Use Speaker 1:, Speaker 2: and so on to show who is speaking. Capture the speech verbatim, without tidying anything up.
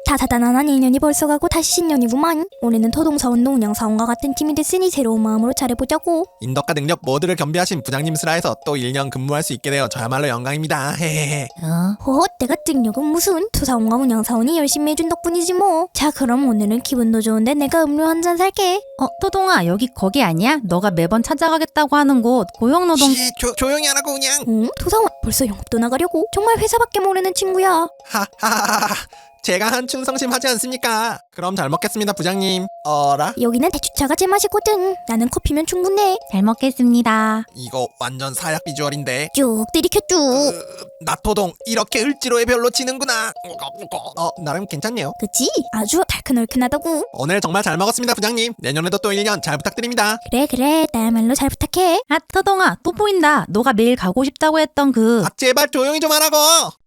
Speaker 1: 다사다난한 일 년이 벌써 가고 다시 신년이구만. 올해는 토동사원도 운영사원과 같은 팀이 됐으니 새로운 마음으로 잘해보자고.
Speaker 2: 인덕과 능력 모두를 겸비하신 부장님 슬하에서 또 일 년 근무할 수 있게 되어 저야말로 영광입니다. 헤헤헤.
Speaker 1: 어? 어? 내가 능력은 무슨? 토사원과 운영사원이 열심히 해준 덕분이지 뭐. 자, 그럼 오늘은 기분도 좋은데 내가 음료 한 잔 살게.
Speaker 3: 어, 토동아, 여기 거기 아니야? 너가 매번 찾아가겠다고 하는 곳 고용노동.
Speaker 2: 시, 조, 조용히 하라고 그냥.
Speaker 1: 응? 토사원 벌써 영업도 나가려고? 정말 회사밖에 모르는 친구야.
Speaker 2: 하하하하. 제가 한 충성심 하지 않습니까? 그럼 잘 먹겠습니다 부장님. 어라?
Speaker 1: 여기는 대추차가 제맛이거든. 나는 커피면 충분해.
Speaker 3: 잘 먹겠습니다.
Speaker 2: 이거 완전 사약 비주얼인데.
Speaker 1: 쭉 들이켜 쭉.
Speaker 2: 나토동 이렇게 을지로에 별로 치는구나. 어 나름 괜찮네요.
Speaker 1: 그치? 아주 달큰얼큰하다고.
Speaker 2: 오늘 정말 잘 먹었습니다 부장님. 내년에도 또 일 년 잘 부탁드립니다.
Speaker 1: 그래 그래 나야말로 잘 부탁해.
Speaker 3: 아, 토동아, 또 보인다. 너가 매일 가고 싶다고 했던 그.
Speaker 2: 아 제발 조용히 좀 하라고.